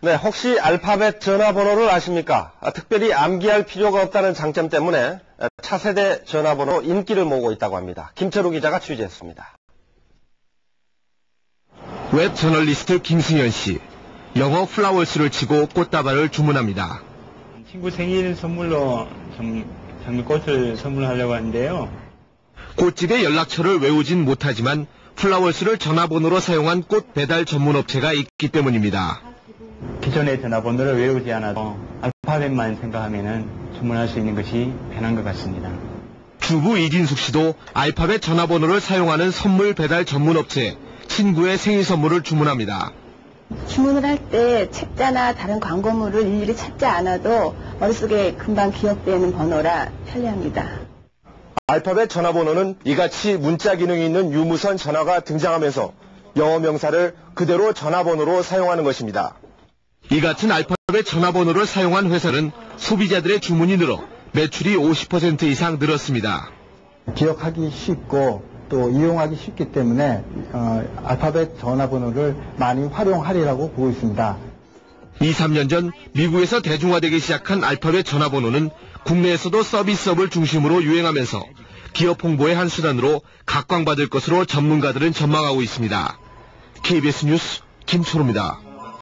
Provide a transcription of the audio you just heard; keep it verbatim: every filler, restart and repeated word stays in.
네, 혹시 알파벳 전화번호를 아십니까? 아, 특별히 암기할 필요가 없다는 장점 때문에 차세대 전화번호 인기를 모으고 있다고 합니다. 김철우 기자가 취재했습니다. 웹 저널리스트 김승현 씨. 영어 플라워스를 치고 꽃다발을 주문합니다. 친구 생일 선물로 좀 장미꽃을 선물하려고 하는데요. 꽃집의 연락처를 외우진 못하지만 플라워스를 전화번호로 사용한 꽃 배달 전문 업체가 있기 때문입니다. 기존의 전화번호를 외우지 않아도 알파벳만 생각하면 주문할 수 있는 것이 편한 것 같습니다. 주부 이진숙 씨도 알파벳 전화번호를 사용하는 선물 배달 전문 업체 친구의 생일 선물을 주문합니다. 주문을 할 때 책자나 다른 광고물을 일일이 찾지 않아도 머릿속에 금방 기억되는 번호라 편리합니다. 알파벳 전화번호는 이같이 문자 기능이 있는 유무선 전화가 등장하면서 영어 명사를 그대로 전화번호로 사용하는 것입니다. 이 같은 알파벳 전화번호를 사용한 회사는 소비자들의 주문이 늘어 매출이 오십 퍼센트 이상 늘었습니다. 기억하기 쉽고 또 이용하기 쉽기 때문에 어, 알파벳 전화번호를 많이 활용하리라고 보고 있습니다. 이, 삼 년 전 미국에서 대중화되기 시작한 알파벳 전화번호는 국내에서도 서비스업을 중심으로 유행하면서 기업 홍보의 한 수단으로 각광받을 것으로 전문가들은 전망하고 있습니다. 케이비에스 뉴스 김초로입니다.